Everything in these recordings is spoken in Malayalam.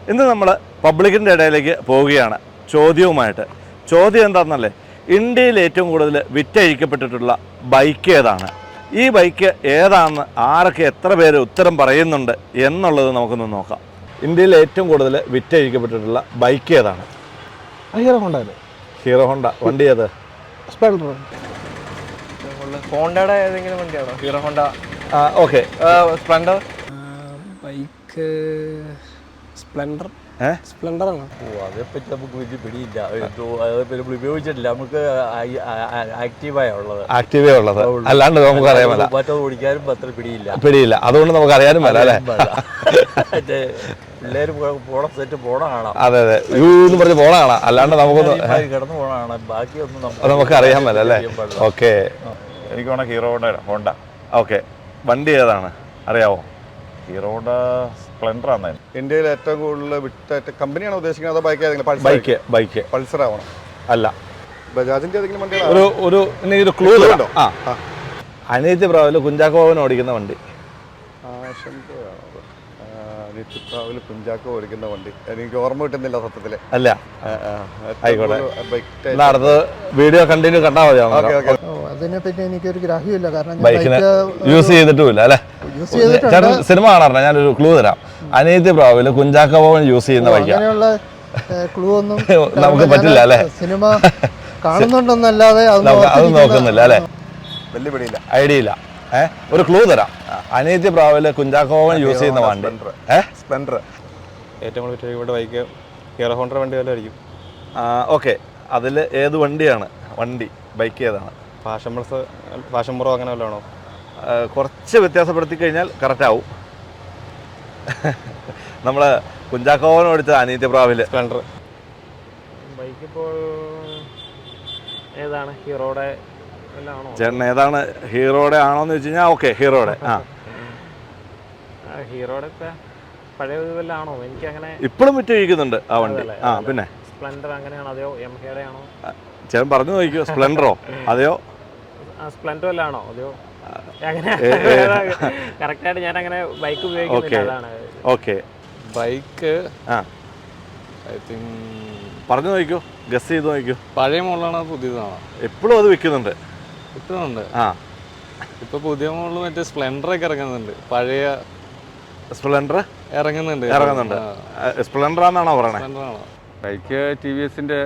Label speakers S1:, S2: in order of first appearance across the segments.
S1: ഇന്ന് നമ്മൾ പബ്ലിക്കിൻ്റെ ഇടയിലേക്ക് പോവുകയാണ് ചോദ്യവുമായിട്ട്. ചോദ്യം എന്താണെന്നല്ലേ, ഇന്ത്യയിൽ ഏറ്റവും കൂടുതൽ വിറ്റഴിക്കപ്പെട്ടിട്ടുള്ള ബൈക്ക് ഏതാണ്? ഈ ബൈക്ക് ഏതാണെന്ന് ആരൊക്കെ എത്ര പേര് ഉത്തരം പറയുന്നുണ്ട് എന്നുള്ളത് നമുക്കൊന്ന് നോക്കാം. ഇന്ത്യയിൽ ഏറ്റവും കൂടുതൽ വിറ്റഴിക്കപ്പെട്ടിട്ടുള്ള ബൈക്ക് ഏതാണ്?
S2: Hero Honda.
S1: Hero Honda. വണ്ടി ഏത്?
S2: സ്പ്ലെൻഡർ.
S3: ഹോണ്ടയുടെ ഏതെങ്കിലും വണ്ടിയാണോ? Hero Honda.
S1: Okay.
S3: Splendor.
S2: Bike Splendor. Splendor ആണോ?
S4: അതേപ്പറ്റി നമുക്ക് വലിയ പിടിയില്ല. അതേപ്പറ്റി നമ്മൾ ഉപയോഗിച്ചിട്ടില്ല. നമുക്ക് ആക്റ്റീവായ ഉള്ളത്.
S1: ആക്റ്റീവേ ഉള്ളത്, അല്ലാണ്ട് നമുക്ക് അറിയാമല്ല.
S4: മറ്റത് ഓടിക്കാനും അത്ര
S1: പിടിയില്ല, അതുകൊണ്ട് നമുക്ക് അറിയാനും പല അല്ലേ.
S4: പിള്ളേർ പോണ സെറ്റ് പോണ കാണാം.
S1: അതെ അതെ, യൂ എന്ന് പറഞ്ഞ് പോണ കാണാം, അല്ലാണ്ട് നമുക്കൊന്ന്
S4: കിടന്നു പോണ കാണാം. ബാക്കിയൊന്നും
S1: നമുക്ക് അറിയാൻ പല അല്ലേ. ഓക്കെ,
S5: എനിക്ക് വേണം ഹീറോ ഹോണ്ട.
S1: ഓക്കെ. വണ്ടി ഏതാണ് അറിയാവോ?
S5: ഹീറോ ഹോണ്ട സ്പ്ലെൻഡർ ആണ്.
S6: ഇന്ത്യയിൽ ഏറ്റവും കൂടുതൽ വിറ്റ കമ്പനിയാണ് ഉദ്ദേശിക്കുന്നത്? അതോ ബൈക്ക് ഏതെങ്കിലും?
S1: ബൈക്ക്
S6: പൾസർ ആവണം.
S1: അല്ല,
S6: ബജാജിന്റെ ഏതെങ്കിലും വണ്ടിയാണ്?
S1: ഒരു ക്ലൂ ഉണ്ടോ? അനിയത്തി പ്രാവില് കുഞ്ചാക്കോവൻ ഓടിക്കുന്ന വണ്ടി.
S6: കുഞ്ചാക്കോ ഓടിക്കുന്ന വണ്ടി എനിക്ക് ഓർമ്മ കിട്ടുന്നില്ല സത്യത്തില്.
S1: അല്ല, ആയിക്കോട്ടെ. അടുത്ത വീഡിയോ കണ്ടിന്യൂ കണ്ടാൽ മതി.
S2: അതിനെപ്പറ്റി എനിക്കൊരു ഗ്രാഹ്യമില്ല, കാരണം
S1: ബൈക്കിനെ യൂസ് ചെയ്തിട്ടുമില്ല അല്ലേ. ചേട്ടൻ സിനിമ കാണാറുണ്ട്. ഞാനൊരു ക്ലൂ തരാം. അനിയത്തി പ്രാവില് കുഞ്ചാക്കോവൻ യൂസ് ചെയ്യുന്ന ബൈക്ക്.
S2: അങ്ങനെയുള്ള ക്ലൂ ഒന്നും
S1: നമുക്ക് പറ്റില്ല അല്ലേ.
S2: സിനിമ കാണുന്നുണ്ടെന്നല്ലാതെ
S1: അത് നോക്കുന്നില്ല അല്ലേ.
S6: വലിയ പിടിയില്ല,
S1: ഐഡിയ ഇല്ല. ഒരു ക്ലൂ തരാം. അനിയത്തി പ്രാവില് കുഞ്ചാക്കോവൻ യൂസ് ചെയ്യുന്ന വണ്ടി.
S6: സ്പ്ലെൻഡർ.
S3: ഏറ്റവും കൂടുതൽ ഇവിടെ ബൈക്ക് ഹീറോ ഹോണ്ട വണ്ടി വല്ലതായിരിക്കും.
S1: ഓക്കെ, അതിൽ ഏത് വണ്ടിയാണ്? ബൈക്ക് ഏതാണ്?
S3: ഫാഷൻ പ്രോ അങ്ങനെ വല്ലതാണോ?
S1: കുറച്ച് വ്യത്യാസപ്പെടുത്തി കഴിഞ്ഞാൽ കറക്റ്റ് ആവും. നമ്മൾ കുഞ്ചാക്കോവൻ ഓടിച്ച അനിയത്തി പ്രാവില്
S3: സ്പ്ലെൻഡർ.
S7: ബൈക്ക് ഇപ്പോൾ ഏതാണ്? ഹീറോയുടെ ആണോ?
S1: ചേട്ടൻ ഏതാണ്? ഹീറോയുടെ ആണോന്ന് വെച്ച് കഴിഞ്ഞാൽ ഓക്കെ, ഹീറോയുടെ.
S7: ഹീറോയുടെ പഴയ വല്ലാണോ? എനിക്ക് അങ്ങനെ
S1: ഇപ്പോഴും വിറ്റഴിക്കുന്നുണ്ട് ആ വണ്ടി. പിന്നെ
S7: സ്പ്ലെൻഡർ അങ്ങനെയാണോ അതെയോ എംഹയുടെ ആണോ?
S1: ചേട്ടൻ പറഞ്ഞു നോക്കിയോ, സ്പ്ലെൻഡറോ അതെയോ
S7: സ്പ്ലെൻഡർ വല്ലാണോ അതെയോ? അങ്ങനെ കറക്റ്റായിട്ട് ഞാൻ അങ്ങനെ ബൈക്ക് ഉപയോഗിക്കുന്നില്ല, അതാണ്.
S1: ഓക്കെ,
S3: ബൈക്ക്
S1: ഐ തിങ്ക് പറഞ്ഞു നോക്കിയോ, ഗസ് ചെയ്ത് നോക്കിയോ.
S3: പഴയ മോഡലാണോ പുതിയതാണോ?
S1: എപ്പോഴും അത് വിൽക്കുന്നുണ്ട്.
S3: ഇപ്പൊ പുതിയ മോഡൽ മറ്റേ സ്പ്ലെൻഡർ ഒക്കെ ഇറങ്ങുന്നുണ്ട്. പഴയ
S1: സ്പ്ലെൻഡർ ഇറങ്ങുന്നുണ്ട്. സ്പ്ലെൻഡർ ആണെന്നാണോ പറയണേ?
S5: ബൈക്ക് ടി വി എസിന്റെ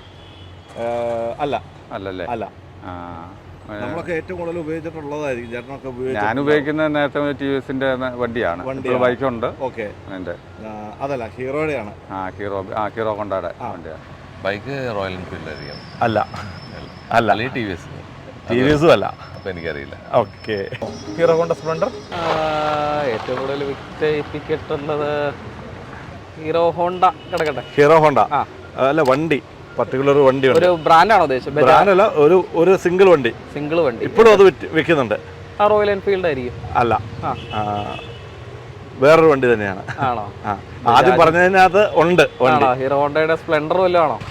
S1: അല്ലല്ലേ. അല്ല, നമ്മളൊക്കെ ഏറ്റവും കൂടുതൽ ഉപയോഗിച്ചിട്ടുള്ളതായിരിക്കും. ചേട്ടനൊക്കെ
S5: ഞാൻ ഉപയോഗിക്കുന്നത് നേരത്തെ ടി വി എസിന്റെ വണ്ടിയാണ്. ബൈക്കുണ്ട്.
S1: ഓക്കെ, അതല്ല ഹീറോയുടെയാണ്.
S5: ഹീറോ ഹോണ്ടയുടെ വണ്ടിയാണ്. ബൈക്ക് റോയൽ എൻഫീൽഡ് ആയിരിക്കും.
S1: അല്ല
S5: T V S.
S1: T V എസും അല്ല.
S5: അപ്പം എനിക്കറിയില്ല.
S1: Okay,
S3: Hero Honda Splendor.
S7: ഏറ്റവും കൂടുതൽ വിറ്റഴിപ്പിക്കട്ടുള്ളത് ഹീറോ ഹോണ്ട കിടക്കട്ടെ.
S1: ഹീറോ ഹോണ്ട അല്ല, വണ്ടി പർട്ടിക്കുലർ വണ്ടി.
S7: ഒരു ബ്രാൻഡാണോ ഉദ്ദേശിച്ചത്?
S1: ബ്രാൻഡല്ല, ഒരു സിംഗിൾ വണ്ടി. ഇപ്പോഴും അത് വിൽക്കുന്നുണ്ട്.
S7: റോയൽ എൻഫീൽഡ് ആയിരിക്കും.
S1: അല്ല, വേറൊരു വണ്ടി തന്നെയാണ്.
S7: ആണോ?
S1: ആദ്യം പറഞ്ഞതിനകത്ത് ഉണ്ട് വണ്ടി.
S7: ഹീറോ ഹോണ്ടയുടെ സ്പ്ലെൻഡർ വല്ലതും ആണോ?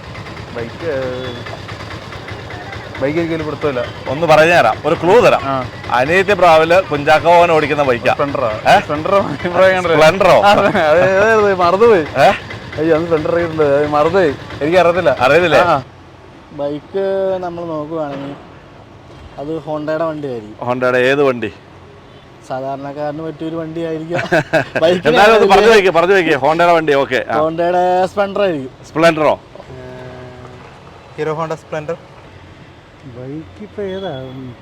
S3: ബൈക്ക് ഒരിക്കലും പിടുത്തമില്ല.
S1: ഒന്ന് പറഞ്ഞു തരാം, ഒരു ക്ലൂ തരാം. അനിയത്തി പ്രാവില് കുഞ്ചാക്കോവൻ ഓടിക്കുന്ന ബൈക്കാ. സ്പ്ലെൻഡറോ?
S3: മറന്നുപോയി. അയ്യോ, അന്ന് സ്പ്ലെൻഡർ മറന്നുപോയി. എനിക്ക് അറിയത്തില്ലേ.
S2: ബൈക്ക് നമ്മൾ നോക്കുവാണെങ്കിൽ അത് ഹോണ്ടയുടെ വണ്ടി ആയിരിക്കും.
S1: ഹോണ്ടയുടെ ഏത് വണ്ടി?
S2: സാധാരണക്കാരന് പറ്റിയൊരു വണ്ടി ആയിരിക്കും.
S1: പറഞ്ഞു വയ്ക്കേ ഹോണ്ടയുടെ വണ്ടി. ഓക്കെ,
S2: ഹോണ്ടയുടെ സ്പ്ലെൻഡർ ആയിരിക്കും.
S1: സ്പ്ലെൻഡറോ?
S3: Hero Honda Splendor.
S2: ബൈക്ക് ഇപ്പൊ ഏതാ?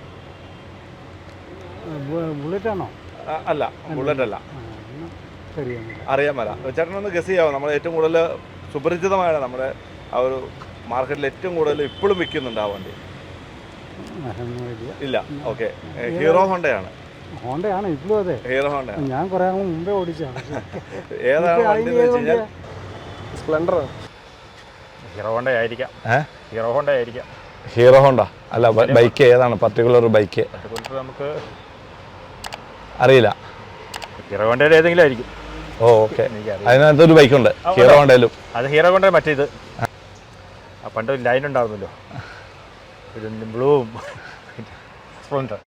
S2: ബുള്ളറ്റ് ആണോ?
S1: അല്ല, ബുള്ളറ്റ് അല്ല.
S2: ശരിയാണ്,
S1: അറിയാൻ മേല. ചേട്ടനൊന്ന് ഗസ് ചെയ്യാമോ? നമ്മൾ ഏറ്റവും കൂടുതൽ സുപരിചിതമായ നമ്മുടെ ആ ഒരു മാർക്കറ്റിൽ ഏറ്റവും കൂടുതൽ ഇപ്പോഴും വിൽക്കുന്നുണ്ട് ആ വണ്ടി. ഇല്ല. Okay, hero ഹോണ്ടയാണ്.
S2: ഹോണ്ടയാണ് ഇപ്പോഴും. അതെ,
S1: ഹീറോ ഹോണ്ട.
S2: ഞാൻ കുറെ മുമ്പേ ഓടിച്ചാണ്.
S1: ഏതാണ് വണ്ടി എന്ന് വെച്ച് കഴിഞ്ഞാൽ
S3: സ്പ്ലെൻഡർ.
S5: ഹീറോ ഹോണ്ട ആയിരിക്കാം.
S1: ഹീറോ ഹോണ്ട അല്ല. ബൈക്ക് ഏതാണ്? പർട്ടിക്കുലർ ബൈക്ക്
S5: നമുക്ക്
S1: അറിയില്ല.
S5: ഹീറോ ഹോണ്ടയുടെ ഏതെങ്കിലും ആയിരിക്കും.
S1: ഓക്കെ, അതിനകത്തൊരു ബൈക്കുണ്ട് ഹീറോ ഹോണ്ടയിലും.
S5: അത് ഹീറോ ഹോണ്ട മറ്റേത് പണ്ട് ലൈൻ ഉണ്ടായിരുന്നല്ലോ, ബ്ലൂവും. സ്പ്ലെൻഡർ.